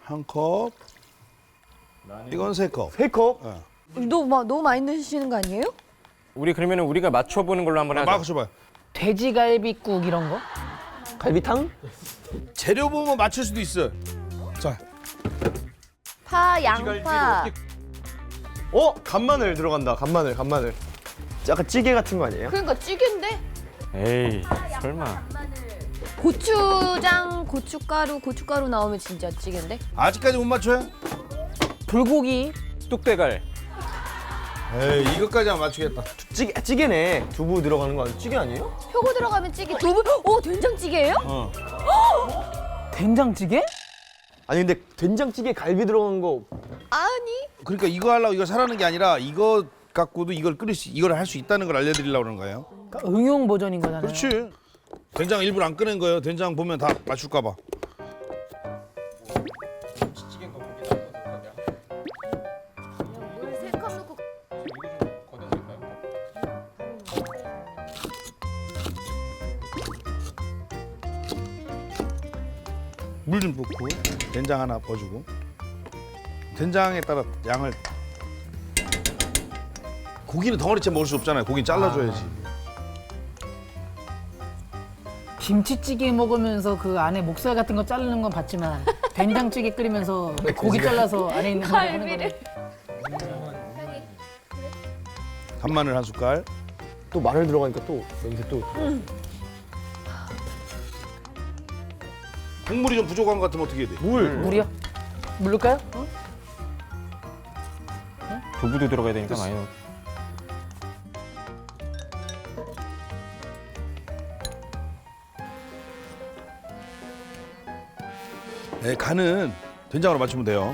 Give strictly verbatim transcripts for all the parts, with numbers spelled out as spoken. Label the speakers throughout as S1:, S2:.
S1: 한 컵. 이건 세 컵.
S2: 세 컵?
S1: 어.
S3: 너무, 마- 너무 많이 넣으시는 거 아니에요?
S4: 우리 그러면은 우리가 맞춰보는 걸로 한번 하자.
S1: 맞춰봐요.
S5: 돼지갈비국 이런 거?
S2: 갈비탕?
S1: 재료 보면 맞출 수도 있어. 자,
S3: 파, 양파.
S2: 어? 간마늘 들어간다. 간마늘, 간마늘. 약간 찌개 같은 거 아니에요?
S3: 그러니까 찌개인데?
S4: 에이, 설마.
S3: 고추장, 고춧가루, 고춧가루 나오면 진짜 찌개인데?
S1: 아직까지 못 맞춰요?
S5: 불고기.
S4: 뚝배갈.
S1: 에이, 이것까지 안 맞추겠다.
S2: 찌개, 찌개네. 두부 들어가는 거 아니에요? 찌개 아니에요?
S3: 표고 들어가면 찌개. 두부? 오, 된장찌개예요?
S1: 어.
S5: 된장찌개?
S2: 아니 근데 된장찌개 갈비 들어간 거
S3: 아니.
S1: 그러니까 이거 하려고 이거 사라는 게 아니라 이거 갖고도 이걸 끓일 수, 이걸 할 수 있다는 걸 알려드리려고 그러는 거예요.
S5: 그러니까 응용 버전인 거잖아요.
S1: 그렇지. 된장 일부러 안 꺼낸 거예요. 된장 보면 다 맞출까 봐.
S3: 물 세 컵 넣고.
S1: 물 좀 붓고 된장 하나 버주고 된장에 따라 양을 고기는 덩어리째 먹을 수 없잖아요. 고기는 잘라줘야지.
S5: 김치찌개 먹으면서 그 안에 목살 같은 거 자르는 건 봤지만 된장찌개 끓이면서 고기 잘라서 안에 있는 거 하는
S3: 갈비를.
S5: 거는
S1: 간마늘 한 숟갈.
S2: 또 마늘 들어가니까 또 냄새 또
S1: 국물이 좀 부족한 것 같으면 어떻게 해야 돼?
S2: 물.
S5: 물이요? 물 넣을까요? 어?
S4: 두부도 들어가야 되니까 많이 넣어.
S1: 네, 간은 된장으로 맞추면 돼요.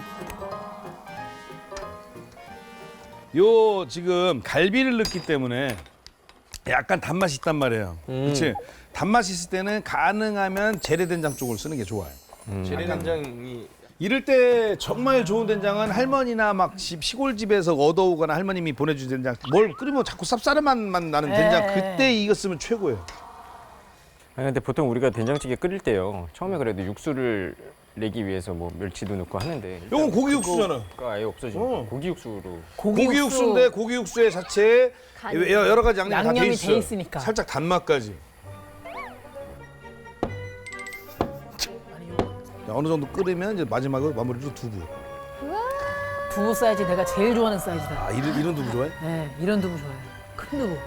S1: 요 지금 갈비를 넣기 때문에 약간 단맛이 있단 말이에요. 그렇지? 단맛이 있을 때는 가능하면 재래된장 쪽을 쓰는 게 좋아요.
S2: 재래된장이
S1: 이럴 때 정말 좋은 된장은 할머니나 막 집, 시골집에서 얻어오거나 할머님이 보내준 된장. 뭘 끓이면 자꾸 쌉싸름 맛만 나는 된장.
S5: 에.
S1: 그때 이거 쓰면 최고예요.
S4: 아니 근데 보통 우리가 된장찌개 끓일 때요. 처음에 그래도 육수를 내기 위해서 뭐 멸치도 넣고 하는데. 일단
S1: 요건 고기 육수잖아.
S4: 그거가 아예 없어지니까
S1: 어.
S4: 고기 육수로.
S5: 고기,
S1: 고기 육수인데 고기 육수에 자체에
S3: 간이.
S1: 여러 가지 양념이 다 돼
S5: 양념이
S1: 있어.
S5: 돼 있으니까.
S1: 살짝 단맛까지. 자, 어느 정도 끓이면 이제 마지막으로 마무리로 두부.
S5: 두부 사이즈 내가 제일 좋아하는 사이즈다.
S1: 아 이런 이런 두부 좋아해?
S5: 네, 이런 두부 좋아해요. 큰 두부.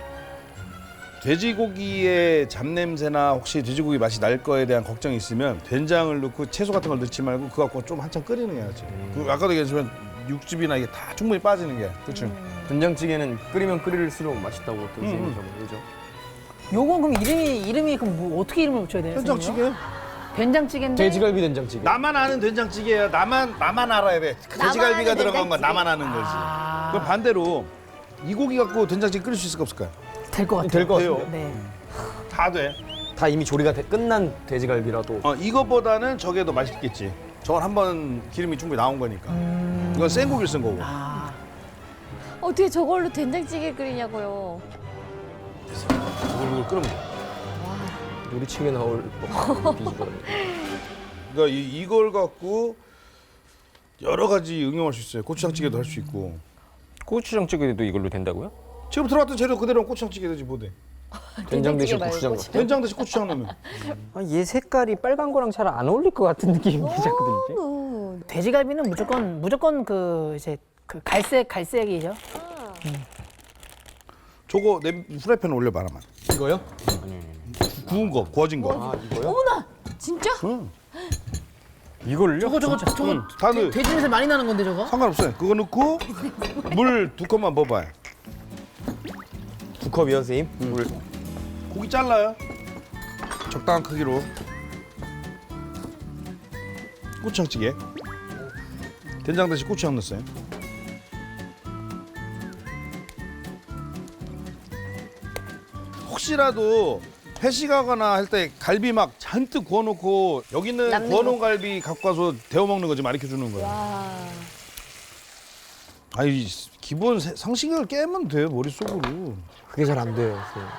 S1: 돼지고기의 잡냄새나 혹시 돼지고기 맛이 날 거에 대한 걱정이 있으면 된장을 넣고 채소 같은 걸 넣지 말고 그거 갖고 좀 한참 끓이는 게 낫지. 그 아까도 얘기했지만 육즙이나 이게 다 충분히 빠지는 게. 그렇죠.
S2: 된장찌개는 끓이면 끓일수록 맛있다고 또 얘기죠. 그죠?
S5: 요건 그럼 이름이 이름이 그럼 뭐 어떻게 이름을 붙여야 돼요? 선생님요?
S1: 된장찌개?
S5: 된장찌개인데
S2: 돼지갈비 된장찌개.
S1: 나만 아는 된장찌개야. 나만 나만 알아야 돼. 돼지갈비가
S3: 아는
S1: 들어간 건
S3: 된장찌개.
S1: 나만 아는 거지.
S5: 아.
S1: 그럼 반대로 이 고기 갖고 된장찌개 끓일 수 있을까 없을까요?
S5: 될것 같아요.
S2: 될 것
S1: 돼요.
S2: 같아요.
S5: 네.
S1: 다 돼.
S2: 다 이미 조리가 돼- 끝난 돼지갈비라도.
S1: 어, 이거보다는 저게 더 맛있겠지. 저건 한번 기름이 충분히 나온 거니까. 이건 생고기를 쓴 거고.
S5: 아,
S3: 어떻게 저걸로 된장찌개 끓이냐고요.
S1: 이걸 끓으면 돼.
S2: 요리책에 나올 뭐 비주얼.
S1: 그러니까 이, 이걸 갖고 여러 가지 응용할 수 있어요. 고추장찌개도 할 수 있고.
S4: 고추장찌개도 이걸로 된다고요?
S1: 지금 들어갔던 재료 그대로 고추장찌개 되지 뭐 돼.
S2: 된장 대신
S3: 말고
S2: 고추장.
S3: 고추장.
S1: 된장 대신 고추장 넣으면.
S4: 아, 얘 색깔이 빨간 거랑 잘 안 어울릴 것 같은 느낌이 자꾸 들지.
S3: 너무.
S5: 돼지갈비는 무조건 무조건 그 이제 그 갈색 갈색이죠.
S1: 저거 내 프라이팬에 올려봐 하나만.
S2: 이거요?
S1: 구운 거, 구워진 거.
S2: 아 이거요?
S3: 어머나! 진짜?
S1: 응.
S4: 이걸요?
S5: 저거 저거 저거
S1: 응, 다 넣어.
S5: 돼지 냄새 많이 나는 건데 저거?
S1: 상관없어요. 그거 넣고 물 두 컵만 먹어봐요.
S2: 두 컵이요, 선생님? 물.
S1: 고기 잘라요. 적당한 크기로. 고추장찌개. 된장 대신 고추장 넣었어요. 혹시라도 회식하거나 할 때 갈비 막 잔뜩 구워놓고 여기 있는
S3: 남는
S1: 구워놓은 갈비 갖고 와서 데워 먹는 거지 가르쳐 주는 거야.
S3: 와.
S1: 아니 기본 세- 상식을 깨면 돼 머릿속으로.
S2: 그게 잘 안 돼요, 선생님.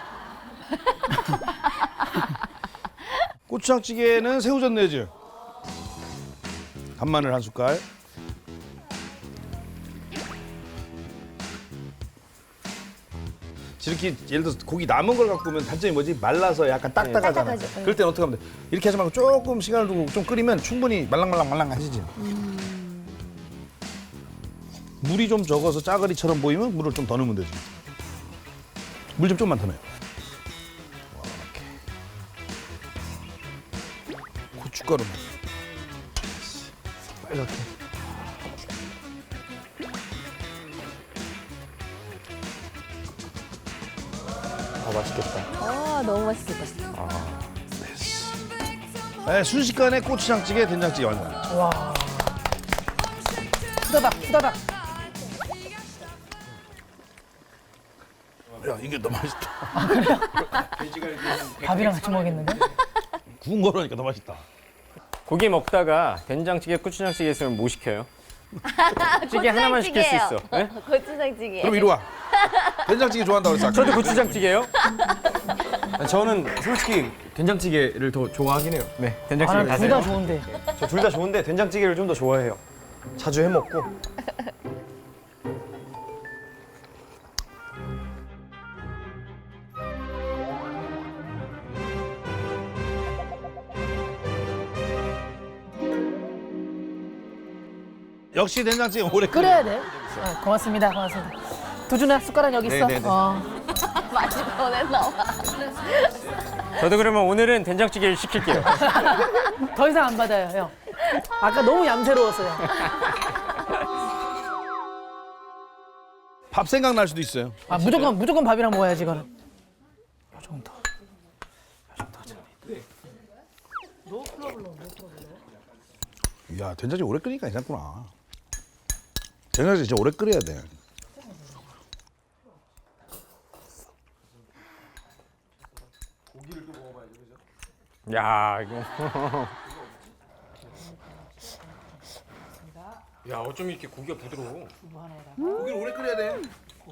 S1: 고추장찌개는 새우젓 내지. 간마늘 한 숟갈. 이렇게 예를 들어서 고기 남은 걸 갖고 오면 단점이 뭐지? 말라서 약간 딱딱하잖아.
S3: 딱딱하죠. 네.
S1: 그럴 때는 어떻게 하면 돼? 이렇게 하지 말고 조금 시간을 두고 좀 끓이면 충분히 말랑말랑말랑하시지.
S3: 음.
S1: 물이 좀 적어서 짜글이처럼 보이면 물을 좀 더 넣으면 되지. 물 좀 좀만 더 넣어요. 이렇게. 고춧가루만.
S2: 이렇게. 아 맛있겠다.
S3: 아 너무 맛있겠다.
S1: 네, 순식간에 고추장찌개, 된장찌개 완성.
S5: 와. 후다닥 후다닥.
S1: 야, 이게 너무 맛있다.
S5: 밥이랑 같이 먹겠는데?
S1: 구운 거라니까 더 맛있다.
S4: 고기 먹다가 된장찌개, 고추장찌개 있으면 뭐 시켜요? 찌개 하나만 시킬 수 있어. 네?
S3: 고추장찌개.
S1: 그럼 이리 와. 된장찌개 좋아한다고 그랬어. 아까.
S4: 저도 고추장찌개요?
S2: 저는 솔직히 된장찌개를 더 좋아하긴 해요.
S4: 네,
S5: 아,
S4: 된장찌개
S5: 난둘
S4: 가세요.
S5: 다 좋은데.
S2: 저 둘 다 좋은데 된장찌개를 좀 더 좋아해요. 자주 해 먹고.
S1: 역시 된장찌개 오래 끓여.
S5: 끓여야 돼. 어, 고맙습니다. 고맙습니다. 두준아 숟가락 여기 있어.
S2: 네네네.
S5: 어.
S3: 마지막에 나와.
S4: 저도 그러면 오늘은 된장찌개를 시킬게요.
S5: 더 이상 안 받아요, 형. 아까 너무 얌새로웠어요.
S1: 밥 생각 날 수도 있어요.
S5: 아, 무조건 무조건 밥이랑 먹어야지 이거는. 요 정도.
S1: 야, 된장찌개 오래 끓이니까 괜찮구나. 된장찌개 진짜 오래 끓여야 돼.
S4: 야, 이거. 야, 어쩜 이렇게 고기가 부드러워?
S1: 고기를 오래 끓여야 돼.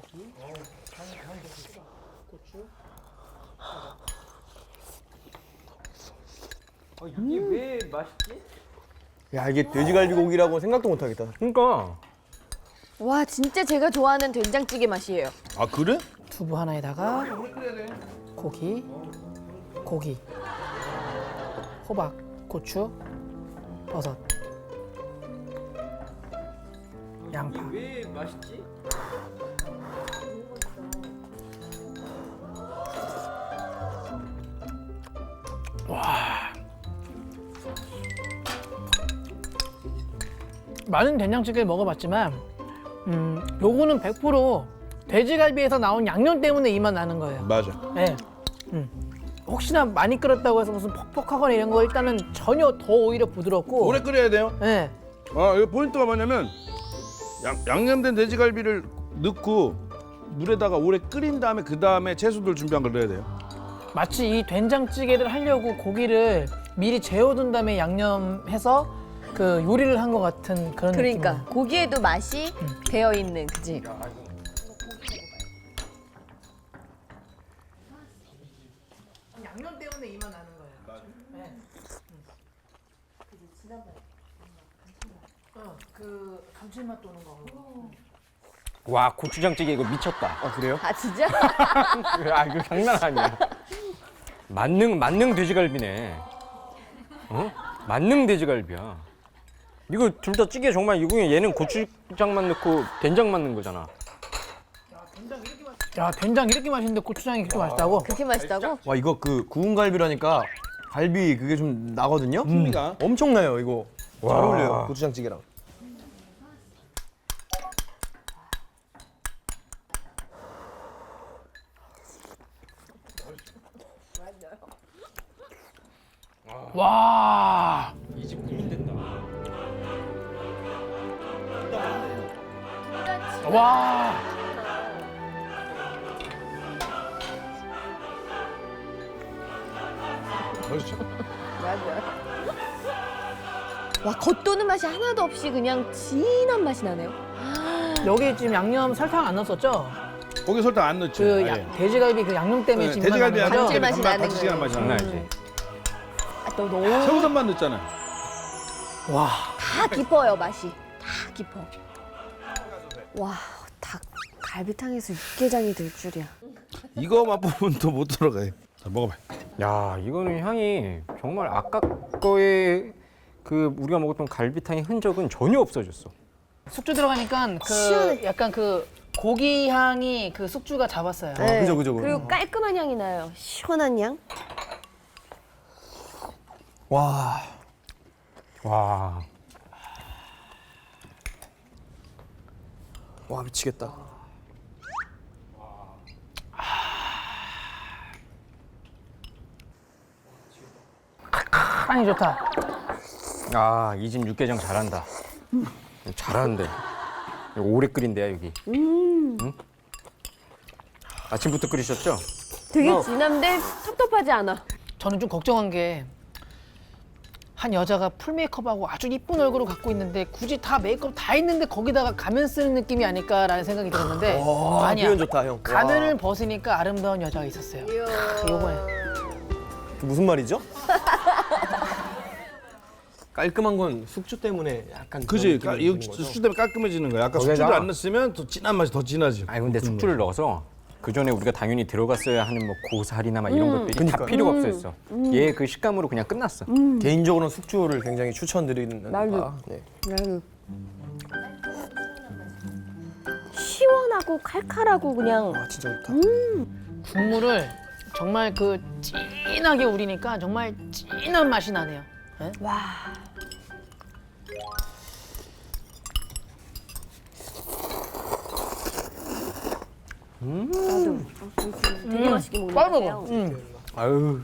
S4: 이게 왜 맛있지?
S2: 야 이게 돼지갈비 고기라고 생각도 못 하겠다.
S4: 그러니까.
S3: 와 진짜 제가 좋아하는 된장찌개 맛이에요.
S1: 아, 그래?
S5: 두부 하나에다가 고기, 고기, 호박, 고추, 버섯, 양파.
S4: 왜 맛있지?
S5: 많은 된장찌개를 먹어봤지만 음, 요거는 백 퍼센트 돼지갈비에서 나온 양념 때문에 이 맛 나는 거예요.
S1: 맞아.
S5: 네. 음. 혹시나 많이 끓였다고 해서 무슨 퍽퍽하거나 이런 거 일단은 전혀 더 오히려 부드럽고.
S1: 오래 끓여야 돼요.
S5: 네.
S1: 아, 이 포인트가 뭐냐면 양, 양념된 돼지갈비를 넣고 물에다가 오래 끓인 다음에 그 다음에 채소들 준비한 걸 넣어야 돼요.
S5: 마치 이 된장찌개를 하려고 고기를 미리 재워둔 다음에 양념해서 그 요리를 한 것 같은 그런
S3: 그러니까
S5: 느낌.
S3: 고기에도 맛이 배어 있는 그지.
S5: 양념 때문에 이 맛 나는 거예요. 네. 어, 그 감칠맛 도는 거.
S4: 와, 고추장찌개 이거 미쳤다.
S2: 아 그래요?
S3: 아 진짜?
S4: 아, 이거 장난 아니야. 만능 만능 돼지갈비네. 어? 만능 돼지갈비야. 이거 둘 다 찌개 정말 이거 얘는 고추장만 넣고 된장만 넣은 거잖아.
S5: 야 된장 이렇게 맛있는데 고추장이 그렇게 맛있다고?
S3: 그렇게 맛있다고?
S2: 와 이거 그 구운 갈비라니까 갈비 그게 좀 나거든요.
S1: 풍미가.
S2: 엄청나요 이거. 잘
S4: 와.
S2: 어울려요 고추장찌개랑.
S5: 와.
S4: 이 집 고민된다.
S5: 와.
S1: 맛있죠?
S3: 맞아요. 와 겉도는 맛이 하나도 없이 그냥 진한 맛이 나네요.
S5: 여기 지금 양념 설탕 안 넣었었죠?
S1: 고기 설탕 안 넣죠.
S5: 그
S1: 아예.
S5: 야, 돼지갈비 그 양념 때문에
S1: 네,
S5: 지금
S1: 돼지갈비
S5: 나는
S1: 양념
S5: 거죠?
S3: 감칠맛이
S1: 때문에
S3: 나는
S1: 감칠맛이
S3: 거예요.
S1: 나는
S4: 장난
S1: 맛이 나요.
S4: 아니지.
S3: 아, 또 너무
S1: 새우젓만 넣었잖아요.
S5: 와.
S3: 다 다 깊어요 맛이. 다 깊어. 와, 닭 갈비탕에서 육개장이 될 줄이야.
S1: 이거 맛보면 또 못 들어가요. 자, 먹어봐.
S4: 야, 이거는 향이 정말 아까 거에 그 우리가 먹었던 갈비탕의 흔적은 전혀 없어졌어.
S5: 숙주 들어가니까 그
S3: 시원해.
S5: 약간 그 고기 향이 그 숙주가 잡았어요.
S3: 네.
S2: 그죠, 그죠, 그죠.
S3: 그리고 깔끔한 향이 나요. 시원한 향.
S2: 와.
S4: 와,
S2: 와, 미치겠다.
S5: 향이 좋다.
S4: 아, 이 집 육개장 잘한다. 잘하는데. 이거 오래 끓인대야 여기. 응? 아침부터 끓이셨죠?
S3: 되게
S5: 어.
S3: 진한데 텁텁하지 않아.
S5: 저는 좀 걱정한 게 한 여자가 풀 메이크업하고 아주 이쁜 얼굴을 갖고 있는데 굳이 다 메이크업 다 있는데 거기다가 가면 쓰는 느낌이 아닐까라는 생각이 들었는데
S2: 와,
S5: 아니야.
S2: 표현 좋다, 형.
S5: 가면을
S2: 와.
S5: 벗으니까 아름다운 여자가 있었어요. 요번에.
S2: 무슨 말이죠? 깔끔한 건 숙주 때문에 약간
S1: 그지?
S2: 그런
S1: 까-
S2: 느낌이
S1: 이거
S2: 드는 거죠?
S1: 숙주 때문에 깔끔해지는 거야. 아까
S4: 거기다가-
S1: 숙주를 안 넣었으면 더 진한 맛이 더 진하지.
S4: 아니 근데 숙주를 넣어서 그 전에 우리가 당연히 들어갔어야 하는 뭐 고사리나 막 이런 것들이 다
S2: 그러니까요.
S4: 필요가 없었어. 얘 그 식감으로 그냥 끝났어.
S2: 개인적으로는 숙주를 굉장히 추천드리는
S3: 나도.
S2: 바. 네.
S3: 나는 시원하고 칼칼하고 그냥
S2: 아, 진짜 좋다.
S5: 국물을 정말 그 진하게 우리니까 정말 진한 맛이 나네요. 예?
S3: 와. 나도 되게 맛있게 먹는 것
S5: 빨리
S3: 같아요.
S5: 먹어. 응.
S4: 아유,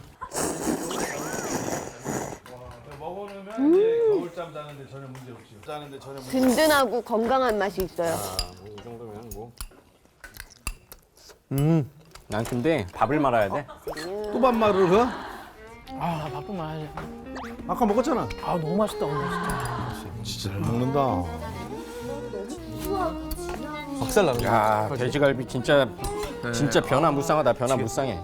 S1: 먹어놓으면 이제 겨울잠 자는데 전혀 문제 없지. 자는데 전혀 문제
S3: 든든하고 건강한 맛이 있어요.
S4: 이 정도면 뭐.
S2: 음.
S4: 난 근데 밥을 말아야 돼.
S1: 또 밥말을 그?
S5: 아, 나 바쁜 말 하지.
S1: 아까 먹었잖아.
S5: 아, 너무 맛있다, 오늘 진짜.
S1: 진짜 잘 먹는다.
S2: 박살 나는
S4: 야, 돼지갈비 진짜 진짜 변화무쌍하다. 변화무쌍해.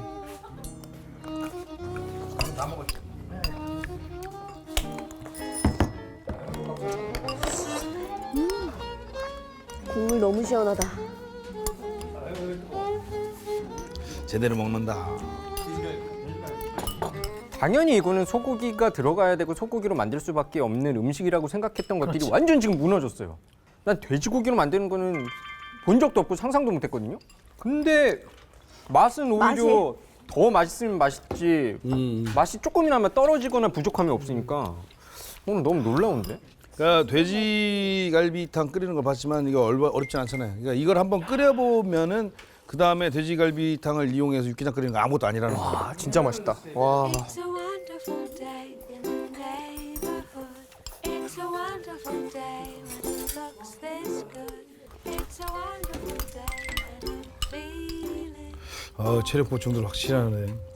S3: 국물 너무 시원하다.
S1: 제대로 먹는다.
S4: 당연히 이거는 소고기가 들어가야 되고 소고기로 만들 수밖에 없는 음식이라고 생각했던 것들이 완전 지금 무너졌어요. 난 돼지고기로 만드는 거는 본 적도 없고 상상도 못했거든요. 근데 맛은 오히려 더 맛있으면 맛있지 맛이 조금이나마 떨어지거나 부족함이 없으니까 오늘 너무 놀라운데?
S1: 그러니까 돼지갈비탕 끓이는 걸 봤지만 이거 얼마 어렵진 않잖아요. 그러니까 이걸 한번 끓여보면은 그 다음에 돼지갈비탕을 이용해서 육개장 끓이는 거 아무것도 아니라는 거예요.
S2: 아, 진짜 맛있다. 와.
S6: It's a wonderful day in the neighborhood. It's a wonderful day when it looks this good. It's a wonderful day when I'm feeling.
S1: 어, 체력 보충들 확실하네.